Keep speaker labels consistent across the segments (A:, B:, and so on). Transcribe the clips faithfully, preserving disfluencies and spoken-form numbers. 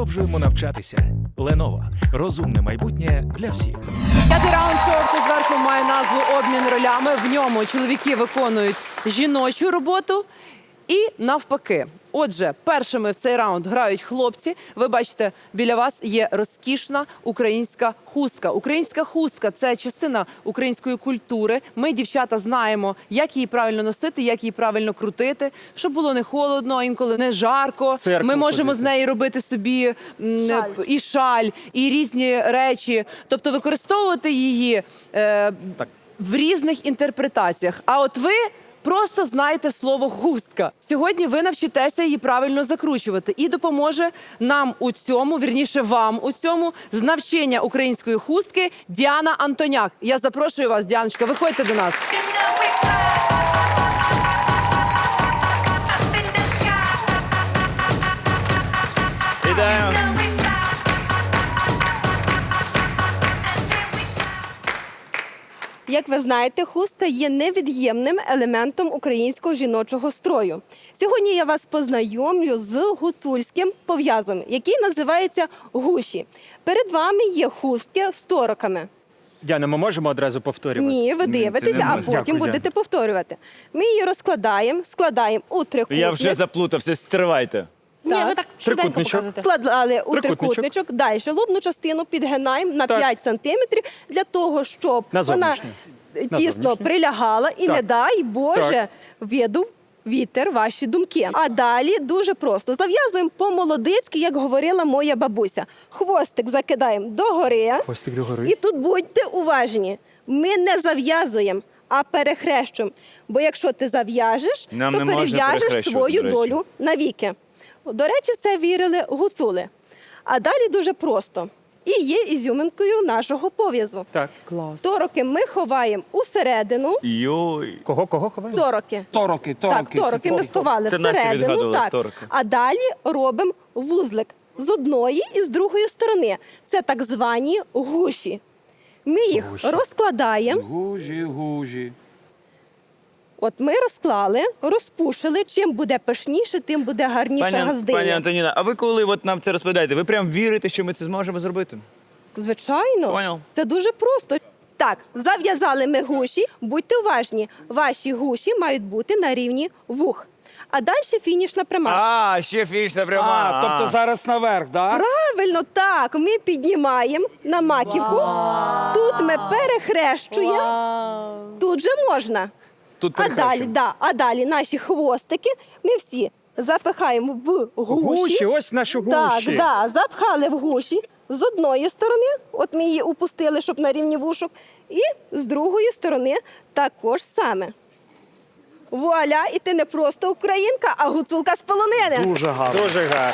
A: Продовжуємо навчатися. Lenovo. Розумне майбутнє для всіх.
B: П'ятий раунд шоу «Хто зверху» має назву «Обмін ролями». В ньому чоловіки виконують жіночу роботу і навпаки. Отже, першими в цей раунд грають хлопці. Ви бачите, біля вас є розкішна українська хустка. Українська хустка – це частина української культури. Ми, дівчата, знаємо, як її правильно носити, як її правильно крутити, щоб було не холодно, а інколи не жарко.
C: Церкву
B: Ми можемо
C: ходити.
B: з неї робити собі м,
D: Шаль.
B: і шаль, і різні речі. Тобто використовувати її е, в різних інтерпретаціях. А от ви просто знаєте слово «хустка». Сьогодні ви навчитеся її правильно закручувати. І допоможе нам у цьому, вірніше вам у цьому, з навчання української хустки Діана Антоняк. Я запрошую вас, Діаночка, виходьте до нас.
C: Вітаю.
D: Як ви знаєте, хустка є невід'ємним елементом українського жіночого строю. Сьогодні я вас познайомлю з гуцульським пов'язом, який називається гуші. Перед вами є хустки з тороками.
C: Діана, ми можемо одразу повторювати?
D: Ні, ви
C: Ні, ти
D: дивитеся,
C: не
D: а
C: можеш.
D: потім
C: Дякую,
D: будете
C: Діана.
D: повторювати. Ми її розкладаємо, складаємо у трикутник.
E: Я вже заплутався, стривайте.
D: Так.
F: Ні, ви так швиденько
C: Трикутничок.
F: показуєте.
D: Складали у
C: Трикутничок.
D: трикутничок. Далі лобну частину підгинаємо на
C: Так.
D: п'ять сантиметрів для того, щоб
C: На
D: вона
C: зовнішнє. На
D: тісно
C: зовнішнє.
D: прилягала і,
C: Так.
D: не дай Боже,
C: Так.
D: видув вітер ваші думки. А далі дуже просто. Зав'язуємо по-молодицьки, як говорила моя бабуся. Хвостик закидаємо догори.
C: Хвостик догори.
D: І тут будьте уважні. Ми не зав'язуємо, а перехрещуємо. Бо якщо ти зав'яжеш,
E: Нам
D: то
E: не можна
D: перев'яжеш
E: перехрещувати,
D: свою
E: до речі.
D: долю навіки. До речі, це вірили гуцули. А далі дуже просто. І є ізюминкою нашого пов'язу.
C: Так.
B: Клас.
D: Тороки ми ховаємо усередину.
E: Йой.
C: Кого, кого ховаємо?
D: Тороки.
G: Тороки,
D: Так,
G: тороки.
D: тороки ми сховали
E: Це Настя
D: всередину.
E: відгадувала
D: Так.
E: тороки.
D: А далі робимо вузлик з одної і з другої сторони. Це так звані гуші. Ми їх
C: Гуші.
D: розкладаємо.
G: Гужі, гужі.
D: От ми розклали, розпушили. Чим буде пишніше, тим буде гарніша
E: Пані,
D: газдиня.
E: пані Антоніна, а ви коли от нам це розповідаєте, ви прям вірите, що ми це зможемо зробити?
D: Звичайно,
E: Поняв.
D: це дуже просто. Так, зав'язали ми гуші. Будьте уважні, ваші гуші мають бути на рівні вух. А далі фінішна пряма.
E: А, ще фінішна пряма.
G: А, тобто зараз наверх, да?
D: Правильно, так. Ми піднімаємо на маківку. Тут ми перехрещуємо. Тут же можна.
E: Тут
D: А далі,
E: перехрещуємо.
D: да, а далі наші хвостики ми всі запихаємо в гуші.
C: Гуші, ось наші гуші.
D: Так, да, запхали в гуші з одної сторони, от ми її упустили, щоб на рівні вушок, і з другої сторони також саме. Вуаля, і ти не просто українка, а гуцулка з полонини.
G: Дуже гарно.
C: Дуже гарно.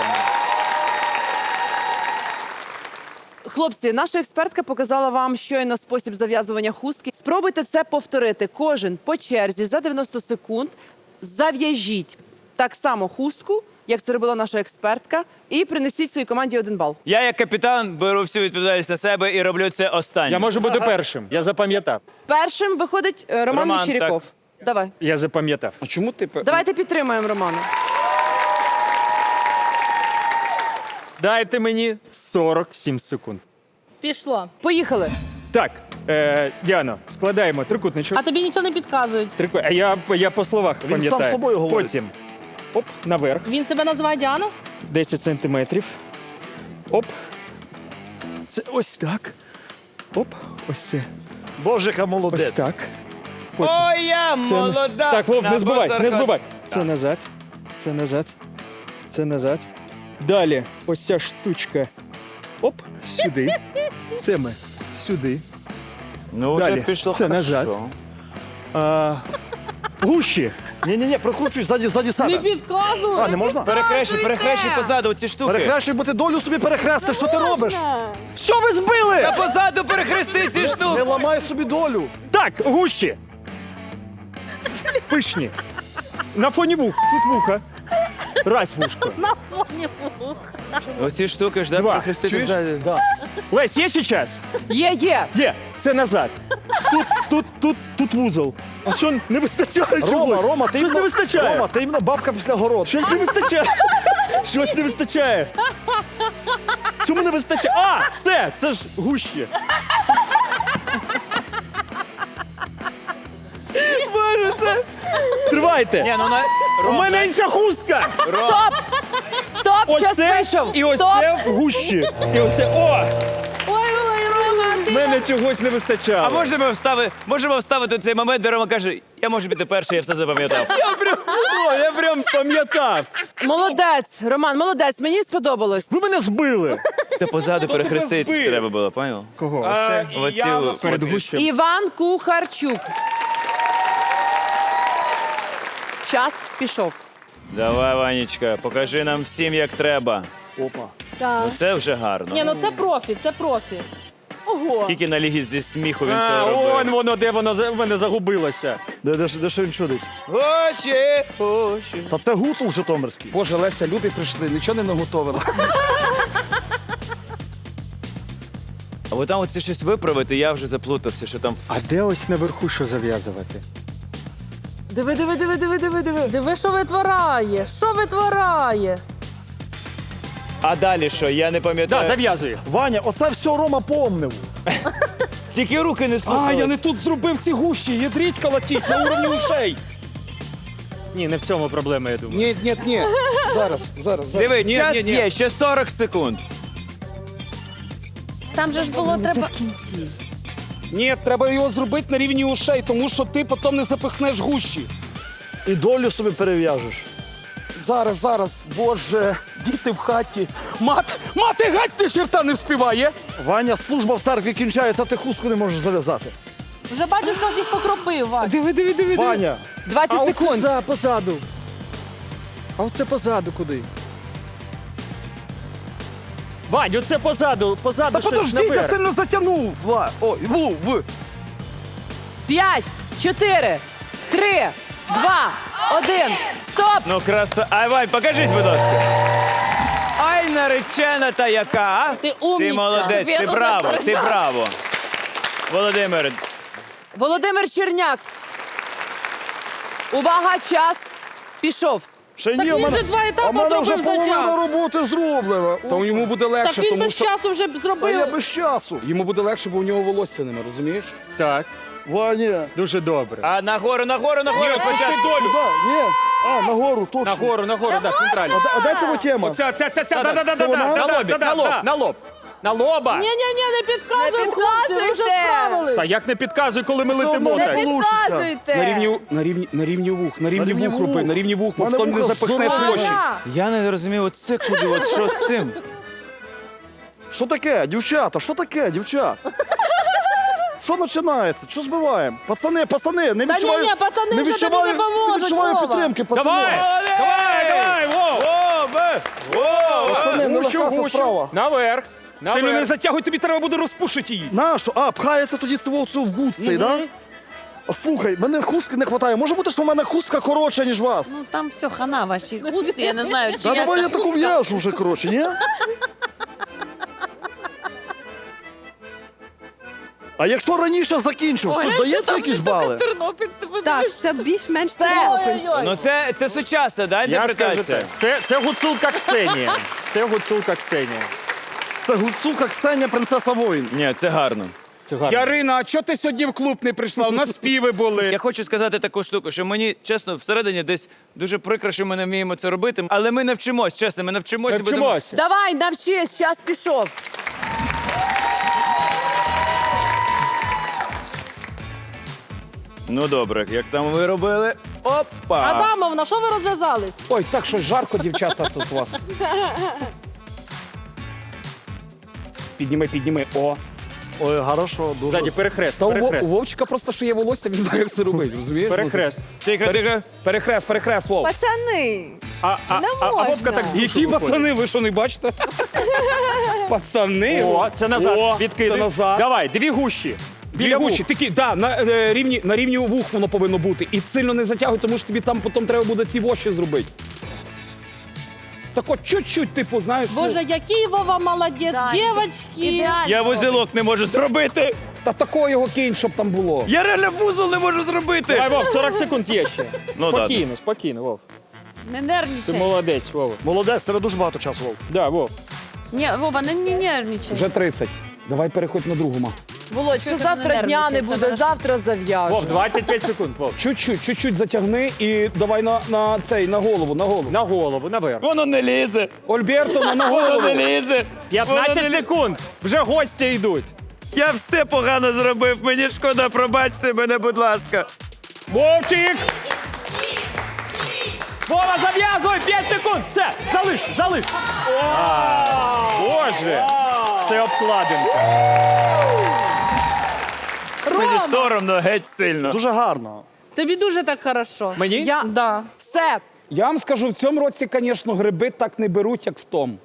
B: Хлопці, наша експертка показала вам щойно спосіб зав'язування хустки. Спробуйте це повторити. Кожен по черзі за дев'яносто секунд зав'яжіть так само хустку, як це робила наша експертка, і принесіть своїй команді один бал.
E: Я як капітан беру всю відповідальність на себе і роблю це останнім.
C: Я можу бути першим. Я запам'ятав.
B: Першим виходить е, Роман
E: Роман,
B: Мещеряков. Давай.
C: Я запам'ятав.
G: А чому ти... пе-
B: Давайте підтримаємо Романа.
C: Дайте мені сорок сім секунд.
F: Пішло.
B: Поїхали.
C: Так, е, Діано, складаємо трикутничок.
F: А тобі нічого не підказують.
C: Трику... А я, я по словах
G: Він
C: пам'ятаю.
G: сам з собою говорить.
C: Потім, оп, наверх,
F: Він себе називає Діана?
C: десять сантиметрів. Оп. Це ось так. Оп, ось це.
G: Боже, яка
C: Ось
G: молодець.
C: так. Потім.
E: Ой, я
C: Це-
E: молода.
C: Так, Вов,
E: на
C: не збивай, не
E: базарах.
C: збивай. Це назад, це назад, це назад. Далі ось ця штучка. Оп, сюди. Це ми. Сюди.
E: Ну, вже
C: Далі.
E: пішло
C: Це
E: хорошо.
C: назад. А, гуші.
G: Ні-ні-ні, прокручуй ззаді, ззаді
F: Не
G: себе.
F: підказують.
G: А, не можна?
E: Перехрещуй, перехрещуй позаду ці штуки.
G: Перехрещуй, бо ти долю собі перехрести. Що ти робиш?
C: Що ви збили?
E: Та позаду перехрести ці
G: Не
E: штуки.
G: ламай собі долю.
C: Так, гущі. Пишні. На фоні вух. Тут вуха. Раз вушко.
F: На фоні вух.
E: Оці штуки ж, да,
C: Два.
E: перехрестити
C: Чуєш?
E: ззаду.
G: Да.
C: Лесь, є ще час?
B: Є, є.
C: Є. Це назад. Тут, тут, тут, тут вузол. А що не вистачає чогось?
G: Рома, Рома, ти
C: Щось не
G: іменно-
C: вистачає.
G: Рома, ти іменно бабка після городу.
C: Щось не вистачає. Щось не вистачає. Чому не вистачає? А, це, це ж гущі. Боже, це... Стривайте.
E: Ні, ну на...
C: У
E: Ром,
C: мене інша хустка.
B: Стоп! Стоп,
C: Ось
B: час
C: це
B: вийшов.
C: і ось
B: Стоп.
C: це в гущі. І ось це, о,
F: Ой, ой, Рома,
C: в
F: ти...
C: мене чогось не вистачало.
E: А можемо вставити, можемо вставити цей момент, де Рома каже, я можу піти перший, я все запам'ятав.
C: Я прям, о, я прям пам'ятав.
B: Молодець, Роман, молодець, мені сподобалось.
C: Ви мене збили.
E: Та позаду
C: тебе
E: перехреститись
C: збив?
E: треба було, поняв?
C: Кого?
E: А,
C: Оце?
E: оці,
C: Я
E: от-
C: перед
E: оці.
C: гущем.
B: Іван Кухарчук. Час пішов.
E: Давай, Ванечка, покажи нам всім, як треба.
G: Опа.
F: Так.
E: Ну це вже гарно.
F: Ні, ну це профі, це профі. Ого.
E: Скільки на лігі зі сміху він
C: А,
E: це
C: он
E: робив.
C: воно, де воно за- в мене загубилося.
G: Де, де, ж- де що він чудить?
E: Гоші, гоші.
G: Та це гуцул житомирський.
H: Боже, Леся, люди прийшли, нічого не наготовила.
E: А ви там оце щось виправити, я вже заплутався, що там...
C: А де ось наверху що зав'язувати?
B: Диви, диви, диви, диви, диви, диви.
F: Диви, що витворяє, що витворяє.
E: А далі що, я не
C: Да,
E: пам'ятаю.
C: зав'язує.
G: Ваня, оце все Рома помнив.
E: Тільки руки не слухали.
C: А, я не тут зробив ці гущі, ядріть колотіть на уровні ушей. Ні, не в цьому проблема, я думаю.
H: Ні, ні, ні. Зараз, зараз, зараз.
E: Диви,
H: Ні,
E: час
H: ні, ні.
E: є, ще сорок секунд.
F: Там же ж було треба...
H: Ні, треба його зробити на рівні ушей, тому що ти потім не запихнеш гущі.
G: І долю собі перев'яжеш.
H: Зараз, зараз, боже, діти в хаті. Мат, мати гать ти черта не вспіває.
G: Ваня, служба в церкві кінчається, ти хустку не можеш зав'язати.
F: Вже бачиш, хтось їх покропив, Вань.
C: Диви, диви, диви, диви.
G: Ваня,
B: двадцять
C: А оце
B: секунд.
C: за, позаду. А оце позаду куди? Вань, оце позаду, позаду
H: Та
C: щось
H: подожди, я
C: наверх.
H: сильно затягнув. Ва, ой, ву, в.
B: П'ять, чотири, три, два, один. Стоп!
E: Ну, краса. Ай, Вань, покажись, будь ласка. Ай, наречена та яка, а?
F: Ти умнічка.
E: Ти молодець, ти
B: Він
E: браво,
B: уже
E: ти браво. Володимир,
B: Володимир Черняк. Увага, час пішов.
G: ще
F: Так
G: ні, у
F: він
G: мене,
F: же два
G: а в
F: етапи
G: мене вже
F: зробив за
G: половина
F: час.
G: роботи зроблена.
H: То йому буде
F: Так
H: легше,
F: він
H: тому
F: без
H: що...
F: часу вже б
G: А я
F: зробив.
G: без часу.
H: Йому буде легше, бо у нього волосся нема, розумієш?
C: Так,
G: Ваня.
C: дуже добре.
E: а нагору, нагору, нагору спочатку.
G: Куди? Ні. А, нагору, точно.
C: Нагору, нагору, да, центрально.
G: А, де- а де ця тема?
C: Оця, ця, ця, ця, да, да, да,
G: Це
C: да,
G: вона?
C: да, на лобі, на лоб, на лоб. На лоба.
F: Ні-ні-ні, не підказуй,
B: Не
F: хлопці, ви вже
B: підказуйте.
F: справились.
C: Та як не підказуй, коли ми
G: Все
C: летимо
G: одно
C: так?
G: не получиться.
H: На рівні, на рівні, на рівні вух, на рівні,
G: рівні
H: вух роби,
G: вух.
H: на рівні вух, бо
G: Мене
H: потім не
G: вуха
H: запихнеш
G: здорові.
H: очі.
F: Ваня,
E: Я не розумію, оце куди, от що з цим?
G: Що таке, дівчата, що таке, дівчат? Що починається? Що збиваємо? Пацани, пацани, не
F: Та
G: відчуваю...
F: ні-ні, пацани
G: не
F: вже тобі
G: відчуваю,
F: не поможуть,
G: не відчуваю
F: Вова.
G: підтримки, пацани.
C: Давай! Давай, давай, Вов!
E: О, о,
G: Пацани, не
C: Гущу,
G: легка це
C: гущу.
G: справа.
C: Наверх.
E: Наверх.
C: Сильно не затягуй, тобі треба буде розпушити її.
G: Нащо? А, пхається тоді цього цього в гуд цей, да? А, слухай, мене хустки не вистачає. Може бути, що в мене хустка коротша, ніж вас?
I: Ну там все хана ваші густі, я не знаю, чи
G: Та
I: я
G: давай
I: це
G: я таку
I: хустка.
G: в'яжу вже, коротше, ні? А якщо раніше закінчив, що ж дається якісь бали?
I: Тернопіль, ти подивись.
D: Так, це більш-менш
B: Все.
D: Тернопіль.
F: Ой-ой-ой.
E: Ну це, це сучасна, да,
C: Я скажу
E: інтерпретація?
C: так. Це, це гуцулка Ксенія. Це гуцулка Ксенія.
G: Це гуцулка Ксеня, принцеса воїн.
E: Ні, це гарно.
C: Це гарно.
H: Ярина, а чого ти сьогодні в клуб не прийшла? У нас співи були.
E: Я хочу сказати таку штуку, що мені, чесно, всередині десь дуже прикро, що ми не вміємо це робити, але ми навчимось, чесно, ми навчимося. будемо-
C: Навчимося.
B: Давай, навчись, час пішов.
E: Ну добре, як там ви робили? Опа!
F: Адамовна, що ви розв'язались?
H: Ой, так що жарко, дівчата, тут у вас. Підніми, підніми. О.
G: Ой, хорошо, дуже.
C: Ззаді перехрест,
H: Та у, Во- у
C: перехрест.
H: Вовчика просто ще є волосся, він знає, як це робить, розумієш?
C: Перехрест.
E: Тихо, тихо.
H: Перехрест, перехрест, Вов.
B: Пацани,
C: А, а, а, а Вовка так з душу
H: Які
C: виходить.
H: пацани, ви що не бачите? Пацани.
C: О, це назад,
H: О,
C: відкидай.
H: Це назад.
C: Давай, дві гущі.
H: Біля
C: Біля
H: гущі.
C: вух.
H: Такі, да, на, е, рівні, на рівні вух воно повинно бути. І сильно не затягуй, тому що тобі там потім треба буде ці воші зробити. Так от чуть-чуть, типу, знаєш, ну,
F: Боже, який Вова молодець,
I: Да,
F: дівчатки.
I: ідеально.
E: Я вузелок не можу зробити.
H: та такого його кинь, щоб там було.
E: Я реально вузол не можу зробити.
C: Давай, Вов, сорок секунд є ще.
E: Ну, да.
C: Спокійно, спокійно, Вов.
I: Не
C: Ти
I: нервничай.
C: молодець, Вов.
G: Молодець, тебе дуже багато часу, Вов.
C: Да, Вов.
I: Ні, Вова, не, не нервничай.
H: Вже тридцять. Давай переходь на другу, ма.
B: Володь, що
I: Чого ти
B: завтра
I: не
B: дня не
I: нервничаєш? Це
B: буде,
I: наш-
B: завтра зав'яжу.
J: двадцять п'ять секунд, Вов.
H: Чуть-чуть, чуть-чуть затягни і давай на, на цей, на голову, на голову.
J: На голову, наверх.
E: Воно не лізе.
H: Ольбертовна, на
E: Воно
H: голову.
E: не лізе. Воно не
J: п'ятнадцять
E: лізе.
J: секунд. Вже гості йдуть.
E: Я все погано зробив. Мені шкода, пробачте мене, будь ласка.
J: Вовчик! Вова, зав'язуй! п'ять секунд! Все, залиш, залиш! Боже! Це обкладинка.
E: Мені соромно геть сильно.
G: Дуже гарно.
F: Тобі дуже так хорошо.
J: Мені?
B: Я...
F: Да.
B: Все.
H: Я вам скажу, в цьому році, звісно, гриби так не беруть, як в тому.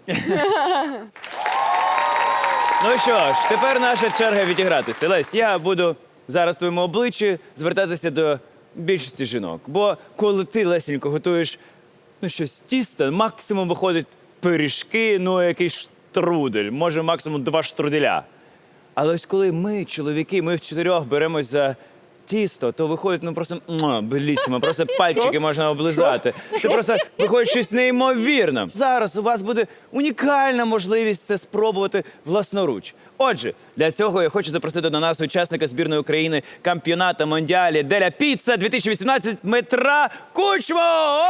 E: Ну що ж, тепер наша черга відігратися. Лесь, я буду зараз в твоєму обличчі звертатися до більшості жінок. Бо коли ти, Лесенько, готуєш ну, щось з тіста, максимум виходить пиріжки, ну якийсь штрудель, може максимум два штруделя. Але ось коли ми, чоловіки, ми в чотирьох беремось за тісто, то виходить ну просто муа, белісимо, просто пальчики можна облизати. Це просто виходить щось неймовірне. Зараз у вас буде унікальна можливість це спробувати власноруч. Отже, для цього я хочу запросити до нас учасника збірної України кампіонату Мондіалі Деля Піцца дві тисячі вісімнадцять Дмитра Кучму! О!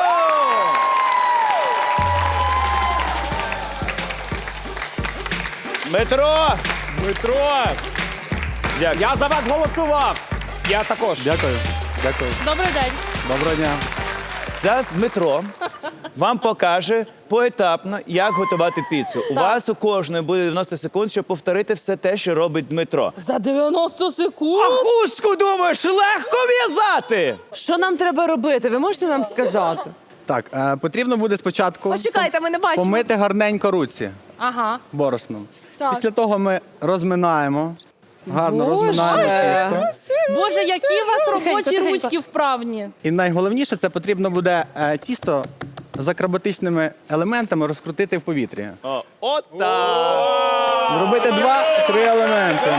E: Дмитро!
J: Дмитро!
E: Дякую.
J: Я за вас голосував! Я також.
G: Дякую. Дякую.
F: Добрий день.
G: Доброго дня.
E: Зараз Дмитро вам покаже поетапно, як готувати піцу. У вас у кожної буде дев'яносто секунд, щоб повторити все те, що робить Дмитро.
F: За дев'яносто секунд.
E: А хустку, думаєш, легко в'язати?
B: Що нам треба робити? Ви можете нам сказати?
K: Так, е, потрібно буде спочатку
D: Почекайте, ми не бачимо.
K: помити гарненько руці
F: Ага.
K: борошном.
D: Так.
K: Після того ми розминаємо. Гарно
B: Боже!
K: розминаємо тісто.
F: Боже, які у вас робочі
D: тихенько.
F: ручки вправні.
K: І найголовніше, це потрібно буде е, тісто з акробатичними елементами розкрутити в повітрі.
E: О, от так.
K: Зробити два-три елементи.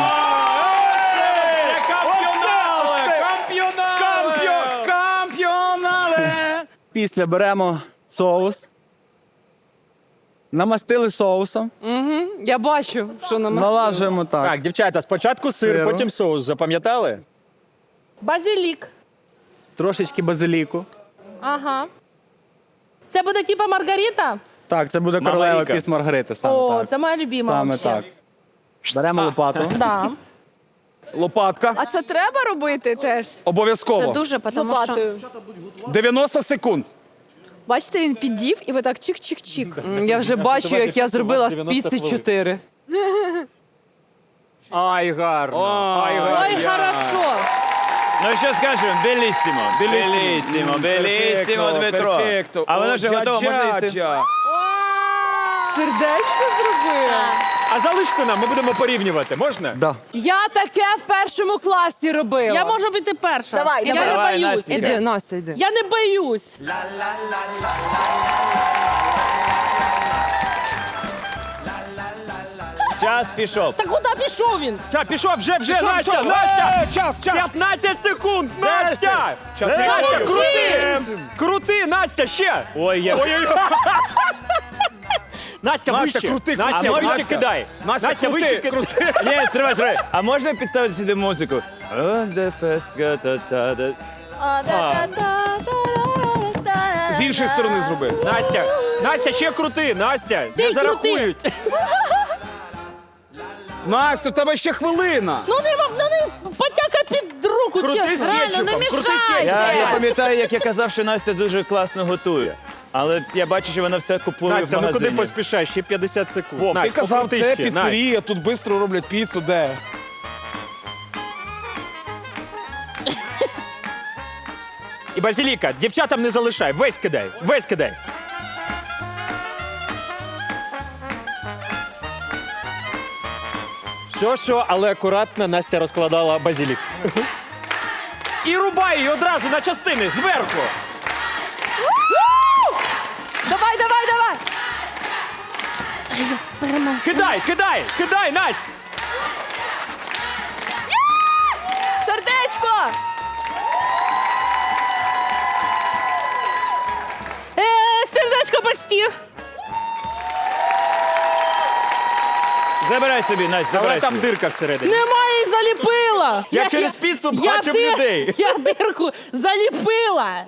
J: Кампіонали!
H: Кампіонале!
K: Після беремо соус. Намастили соусом,
B: Угу. Я бачу, що нам.
K: налажуємо так.
J: Так, дівчата, спочатку сир,
K: Сиру.
J: потім соус. Запам'ятали?
F: Базилік.
K: Трошечки базиліку.
F: Ага. Це буде типа Маргарита?
K: Так, це буде
E: Мама
K: королева
E: Віка.
K: піс Маргарита. Саме
F: О,
K: так.
F: це моя любима.
K: Саме
F: вообще.
K: так. Беремо лопату.
F: Да.
H: Лопатка.
D: А це треба робити теж
H: Обов'язково.
I: Дуже,
D: з
I: тому що...
D: лопатою.
H: дев'яносто секунд.
D: Бачите, він піддів і ви так чик-чик-чик.
B: М, Я вже бачу, як я зробила з піци чотири.
J: Ай, гарно. Ай, гарно.
F: Ой, хорошо.
E: Ну що скажемо? Белісімо. Белісімо, белісімо, Дмитро.
H: Перфекто.
E: А воно вже
H: О,
E: готово, можна їсти?
H: джа-джа-джа.
B: Сердечко зробила.
J: А залиште нам, ми будемо порівнювати. Можна?
K: Да.
B: Я таке в першому класі робила.
F: Я можу бути перша.
D: Давай,
F: я
D: давай.
F: не
E: Давай,
F: боюсь.
E: Настя.
B: Іди, Настя, йди.
F: Я не боюсь.
E: Час пішов.
F: Та куди пішов він?
J: Та, пішов, вже, вже,
H: Пішов,
J: Настя,
H: пішов.
J: Настя!
H: Е, час, час.
J: п'ятнадцять секунд, Настя!
H: Час
J: Настя,
H: не
J: крути! Крути, Настя, ще!
E: Ой, я...
J: Ой-ой-ой! Настя,
H: Настя,
J: вище!
H: крути,
J: Настя,
H: крути.
J: вище
H: Настя.
J: кидай!
H: Настя,
J: Настя,
H: крути,
J: вище кидай!
E: Ні, стривай, стривай. А можна підставити сюди музику? On the first ga-ta-ta-da.
H: З іншої сторони зроби.
J: Настя, Настя, ще крути, Настя!
F: Ти
J: Не зарахують!
H: Настя, у тебе ще хвилина.
F: Ну не, м- ну не потяка під руку,
J: Крути з
F: чесно.
I: Реально, не
J: кетчупом, крути з
I: мішайте.
E: Я, я
J: кетчупом!
E: пам'ятаю, як я казав, що Настя дуже класно готує. Але я бачу, що вона все купує в
J: Настя, ну
E: магазині.
J: куди поспішаєш? Ще п'ятдесят секунд.
H: Вов, ти
J: Настя,
H: казав,
J: покрути
H: це
J: ще,
H: піцерія, тут швидко роблять піцу, де?
J: Настя. І базиліка, дівчатам не залишай, весь кидай, весь кидай. Що, що, але акуратно Настя розкладала базилік. І рубай її одразу на частини, зверху.
B: Давай, давай, давай.
J: Кидай, кидай, кидай, Настя!
D: Сердечко!
F: Е, сердечко почти.
E: Забирай собі, Настя,
J: Але
E: забирай
J: там
E: собі.
J: дирка всередині.
F: Немає, їх заліпила.
J: Я через піцу
F: я
J: бачив
F: дир-
J: людей.
F: Я дирку заліпила.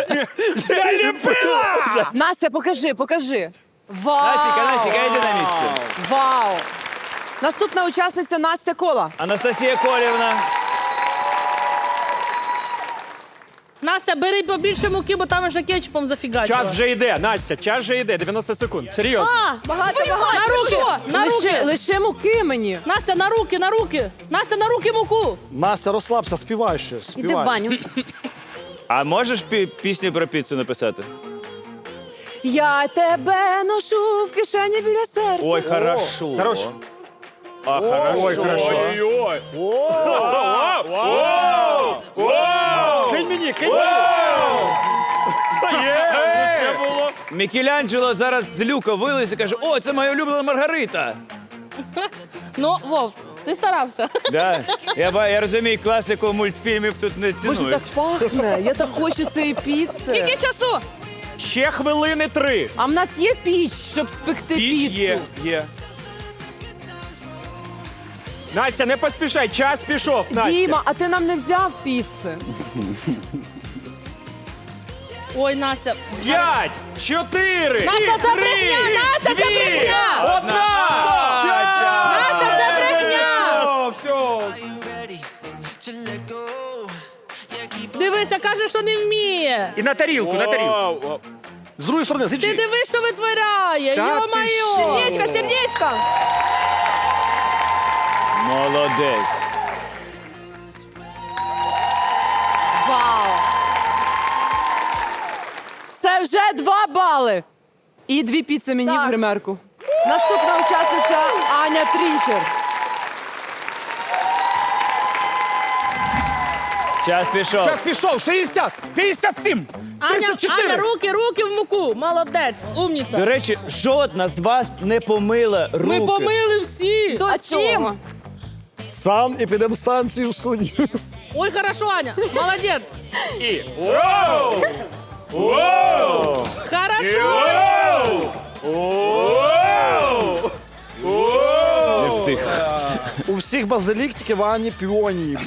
B: Настя, покажи, покажи. Вау!
E: Настя, Настя, йди на місце.
B: Вау! Наступна учасниця Настя Кола.
E: Анастасія Колівна.
F: Настя, бери побільше муки, бо там вже кетчупом зафігачила.
J: Час вже йде, Настя, час вже йде. дев'яносто секунд. Серйозно.
F: А, багато, багато. На руки, на
B: Лише,
F: руки.
B: лише муки мені.
F: Настя, на руки, на руки. Настя, на руки муку.
G: Настя, розслабся, співай ще, співай.
B: Іди в баню.
E: А можеш пі- пісню про піцу написати?
B: Я тебе ношу в кишені біля серця.
E: Ой, хорошо.
J: Хорош.
E: А, хорошо.
J: Ой, хорошо.
E: Ой-ой-ой.
J: Кинь мені, кинь мені. Є, це було.
E: Мікеланджело зараз з люка виліз і каже, о, це моя улюблена Маргарита.
F: Ну, Вов, ти старався.
E: Да. Я, ба- я розумію, класику мультфільмів тут не
B: Боже,
E: цінують.
B: так пахне. Я так хочу цієї піци.
F: Скільки часу?
J: Ще хвилини три.
B: А в нас є піч, щоб спекти
E: Піч
B: піцу?
E: є, є.
J: Настя, не поспішай, час пішов, Настя.
B: Діма, а ти нам не взяв піци?
F: Ой, Настя.
J: П'ять, чотири,
F: Настя, це
J: три,
F: брехня! Настя, це
J: дві,
F: брехня!
J: одна. Час!
F: Настя, це брехня!
J: Все,
F: Дивися, каже, що не вміє.
J: І на тарілку, на тарілку.
G: З другої сторони, з
F: Ти
G: іншої.
F: дивись, що витворяє.
J: Та ти
F: Йо-моє.
J: що?
D: Сердечко, сердечко.
E: Молодець.
B: Вау! Це вже два бали. І дві піци мені
F: Так.
B: в гримерку. Наступна учасниця Аня Трінчер.
E: Час пішов.
H: Час пішов, шістдесят, п'ятдесят сім,
F: Аня,
H: тридцять чотири.
F: Аня, руки, руки в муку. Молодець, умніця.
E: До речі, жодна з вас не помила руки.
F: Ми помили всі.
B: А чим?
G: Сан і підемо станцію в студію.
F: Ой, хорошо, Аня. Молодець.
J: І. Воу! Воу!
F: Хорошо.
J: Воу!
E: Не встиг.
G: У всіх базилік, тільки в Ані піонії.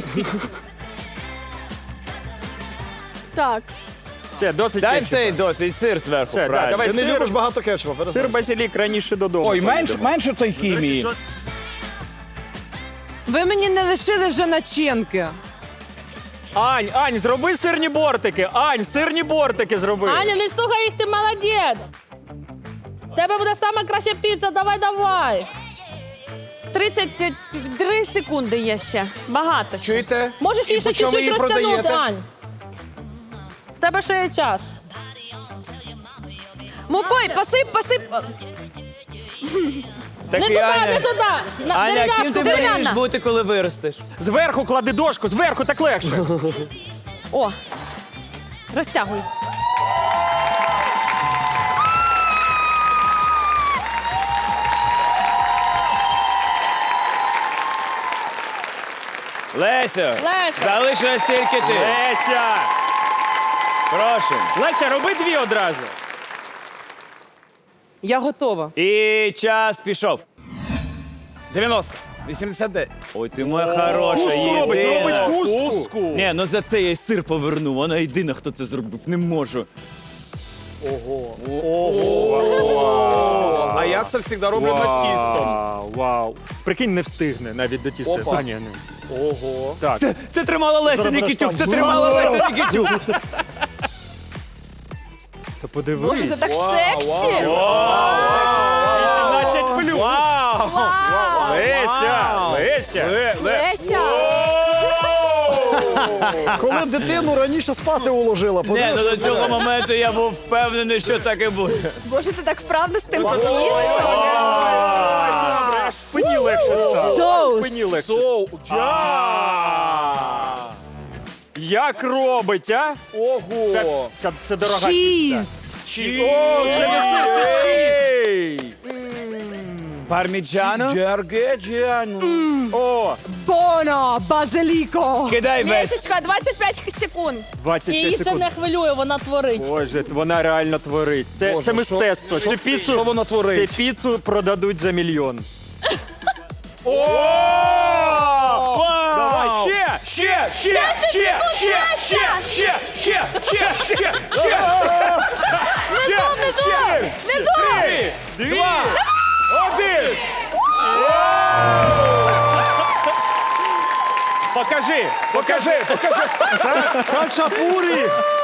F: Так.
J: Все, досить
E: Дай
J: кетчупа.
E: все досить, сир зверху.
J: Все, да,
E: правильно.
J: давай
G: Ти не
J: сир.
G: любиш багато кетчупа,
J: Сир
G: перестань.
J: базилік раніше додому.
H: Ой, менш,
J: поїдемо.
H: менше той хімії.
B: Ви мені не лишили вже начинки.
J: Ань, Ань, зроби сирні бортики. Ань, сирні бортики зроби.
F: Аня, не слухай їх, ти молодець. В тебе буде сама краща піца, давай, давай.
I: тридцять три секунди є ще. Багато ще.
H: Чуєте?
F: Можеш її
H: І
F: ще
H: по чому
F: чуть-чуть
H: її
F: розтягнути,
H: продаєте?
F: Ань. В тебе ще є час.
I: Мукой, посип, посип.
E: Так
F: Не
E: і
F: туди,
E: Аня.
F: не туди. На,
E: Аня,
F: дерев'яшку,
E: ким ти мрієш
F: дерев'яна.
E: бути, коли виростеш?
J: Зверху клади дошку, зверху так легше.
I: О, розтягуй.
E: Лесю,
F: Леся.
E: залишилась тільки ти.
J: Леся!
E: Прошу.
J: Леся, роби дві одразу.
B: Я готова.
E: І час пішов.
H: дев'яносто, вісімдесят дев'ять.
E: Ой, ти моя хороша,
J: Кустку робить,
E: єдина.
J: робить кустку.
E: Ні, ну за це я й сир поверну. Вона єдина, хто це зробив. Не можу.
H: А я це завжди роблю над тістом.
J: Вау, вау. Прикинь, не встигне навіть до тіста.
H: Опа.
J: А, ні, не.
H: Ого.
J: Так,
E: Це, це тримала Леся
J: Зараз
E: Нікітюк, це
J: там.
E: тримала Леся Нікітюк.
J: то подивись.
I: Боже, це так сексі.
J: вісімнадцять плюс. Леся, Леся.
I: Леся.
G: Коли дитину раніше спати уложила,
E: Ні, ну
G: подивись.
E: до цього моменту я був впевнений, що так і буде.
D: Боже, ти так вправно з тим
J: Добре, аж спині легше стало.
B: Соус.
J: Спині легше. А. Як робить, а?
H: Ого.
J: Це, це, це дорога
B: Чіз.
J: піца. Чіз. О, це не сир, це чіз.
E: Парміджано?
H: Джаргеджіано.
J: О,
B: Боно, базиліко.
E: Кидай весь.
D: Лесечка, двадцять п'ять секунд.
J: двадцять
F: Її
J: п'ять
F: це
J: секунд.
F: не хвилює, вона творить.
J: Боже, вона реально творить. Це,
G: Боже,
J: це
G: що-
J: мистецтво. Цю піцу,
G: що вона творить?
J: Цю піцу продадуть за мільйон.
H: Давай, ще, ще, ще, ще, ще, ще, ще, ще, ще, ще, ще.
I: Внизу, внизу! Внизу!
H: Три, два, один. Покажи, покажи, покажи.
G: Хачапурі!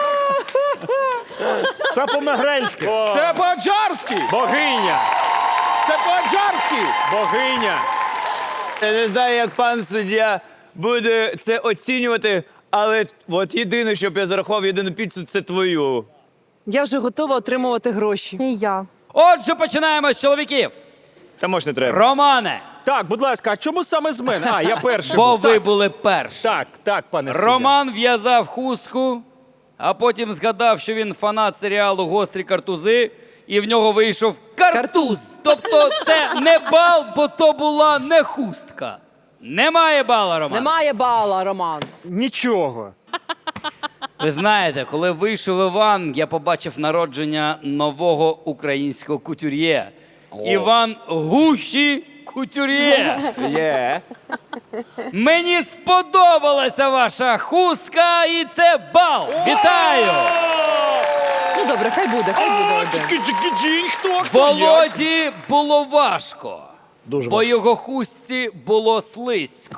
G: Це по-мегрельськи.
H: Це по-аджарськи. Богиня. Це по-аджарськи. Богиня.
E: Я не знаю, як пан суддя буде це оцінювати, але от єдине, щоб я зарахував єдину піцу, це твою.
B: Я вже готова отримувати гроші.
F: І я.
J: Отже, починаємо з чоловіків.
E: Та може не треба.
J: Романе,
H: Так, будь ласка, а чому саме з мене? А, я перший.
J: бо
H: був.
J: ви
H: Так,
J: були перші.
H: так, так, пане суддя.
J: Роман в'язав хустку, а потім згадав, що він фанат серіалу «Гострі картузи», і в нього вийшов картуз. Тобто це не бал, бо то була не хустка. Немає бала, Роман.
B: Немає бала, Роман.
H: Нічого.
J: Ви знаєте, коли вийшов Іван, я побачив народження нового українського кутюр'є. Іван Гущі Кутюр'є.
E: Є.
J: Мені сподобалася ваша хустка, і це бал. Вітаю!
B: Ну добре, хай буде, хай буде один.
H: Чики-чики-чінь, хто, хто, як?
J: Володі було важко,
G: Дуже
J: бо його хустці було слизько.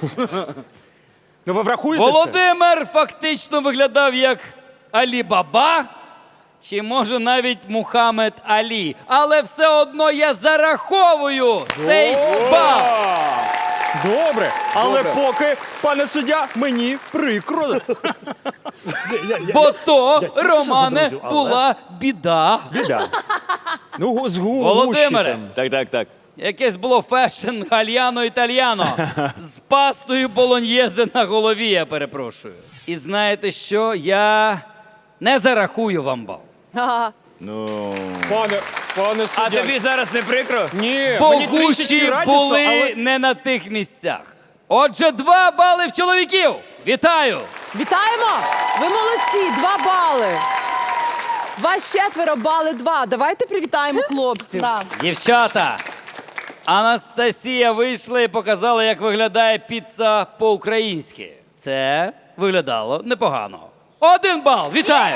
H: Ну ви врахуєте це?
J: Володимир фактично виглядав як Алі Баба, чи може навіть Мухаммед Алі. Але все одно я зараховую цей бал.
H: Добре, але поки, пане суддя, мені прикро.
J: Бо то, Романе, була біда.
H: Біда. Ну, го- з гу-
J: Володимире,
H: гущі
E: Так, так, так.
J: якесь було фешн гальяно-італьяно з пастою болоньєзе на голові, я перепрошую. І знаєте що? Я не зарахую вам бал.
B: Ага.
E: Ну.
H: там. Пане, пане
E: А
H: суддя.
E: тобі зараз не прикро?
H: Ні,
J: Бо
H: мені трішечки
J: гущі
H: радісно,
J: були
H: але-
J: не на тих місцях. Отже, два бали в чоловіків. Вітаю!
B: Вітаємо! Ви молодці, два бали. Вас четверо, бали два. Давайте привітаємо хлопців.
F: Да.
J: Дівчата, Анастасія вийшла і показала, як виглядає піца по-українськи. Це виглядало непогано. Один бал. Вітаю!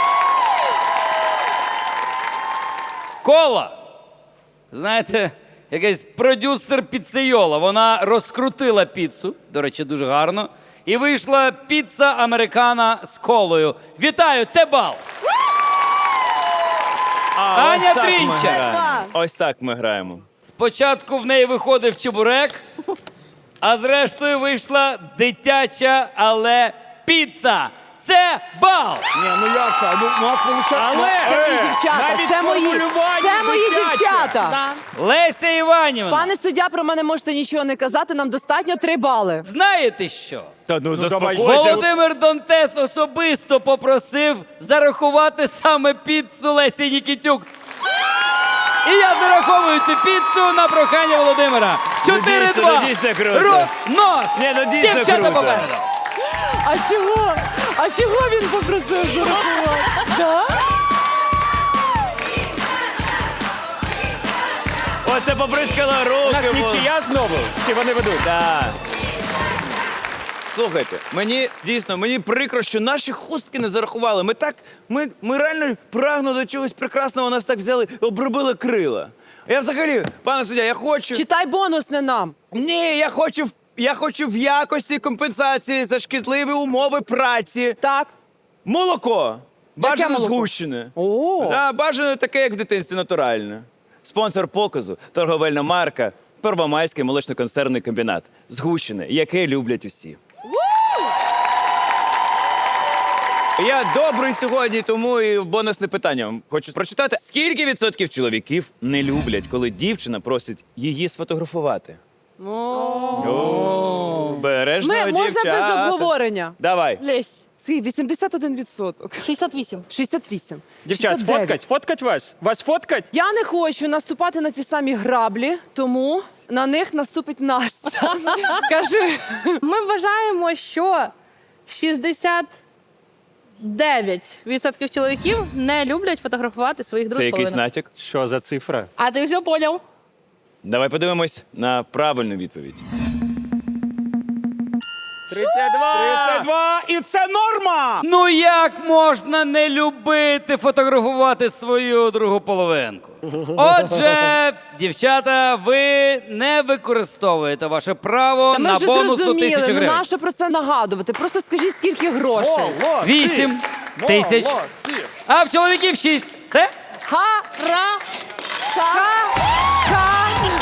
J: Кола. Знаєте, якийсь продюсер піцейола. Вона розкрутила піцу, до речі, дуже гарно. І вийшла піца американа з колою. Вітаю, це бал.
E: А,
J: Аня
E: ось так ми
J: Трінчер.
E: граємо. Ось так ми граємо.
J: Спочатку в неї виходив чебурек, а зрештою вийшла дитяча, але піца. Це бал!
G: Ні, ну як це? Ну, у нас виходить...
H: Але
B: Це мої
H: е,
B: дівчата,
H: навіть
B: це мої,
H: формулювання
B: це мої
H: дитяче.
B: дівчата.
F: Да.
J: Леся Іванівна,
B: Пане суддя, про мене можете нічого не казати, нам достатньо три бали.
J: знаєте що?
E: Та ну,
H: давай.
E: заспокойся.
J: Володимир Донтес особисто попросив зарахувати саме піцу Лесі Нікітюк. І я зараховую цю піцу на прохання Володимира. чотири два.
E: Ну, дійсно круто.
J: Рознос!
E: Ні, ну, дійсно
J: Дівчата
E: круто.
J: попереду.
B: А чого? А чого він попросив зарахувати? Да?
E: Оце побризкала
H: У
E: руки.
H: нас
E: бо-
H: нічия знову? Чи вони ведуть?
E: Так. Слухайте, мені дійсно мені прикро, що наші хустки не зарахували. Ми так, ми, ми реально прагнули до чогось прекрасного, нас так взяли, обробили крила. Я взагалі, пане суддя, я хочу.
B: Читай бонус не нам.
E: Ні, я хочу в я хочу в якості компенсації за шкідливі умови праці.
B: Так.
E: Молоко. Бажано
B: молоко?
E: згущене.
B: О.
E: Да, бажано таке, як в дитинстві, натуральне. Спонсор показу торговельна марка Первомайський молочно-консервний комбінат. Згущене, яке люблять усі. Я добрий сьогодні, тому і бонусне питання вам хочу прочитати. Скільки відсотків чоловіків не люблять, коли дівчина просить її сфотографувати? О, Бережно,
B: Ми, можна
E: дівчата.
B: без обговорення.
E: Давай.
B: Лесь. Скільки? вісімдесят один відсоток.
F: шістдесят вісім.
B: шістдесят вісім.
H: Дівчат,
B: шістдесят дев'ять.
H: сфоткать? Сфоткать вас? Вас фоткать?
B: Я не хочу наступати на ті самі граблі, тому на них наступить Настя. Кажи.
F: Ми вважаємо, що шістдесят дев'ять відсотків чоловіків не люблять фотографувати своїх
E: Це
F: друг
E: якийсь
F: половинок.
E: натяк?
H: Що за цифра?
F: А ти все поняв?
E: Давай подивимось на правильну відповідь.
H: тридцять два! тридцять два! І це норма!
J: Ну як можна не любити фотографувати свою другу половинку? Отже, дівчата, ви не використовуєте ваше право
B: Та ми
J: на
B: вже
J: бонусну
B: зрозуміли,
J: тисячу
B: ну
J: гривень.
B: нащо про це нагадувати? Просто скажіть, скільки грошей.
G: Молодці!
J: Вісім тисяч.
G: Молодці!
J: А в чоловіків шість. Все?
B: Ха-ра! Ха-ха!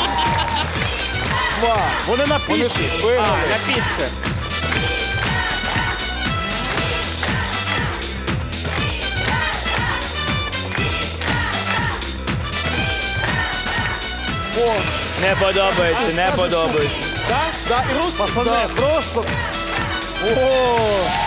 G: Вони на пісні.
C: А, на піце.
E: Не подобається, не подобається.
C: Так? Да, і рус.
G: Пацани, просто.
C: О,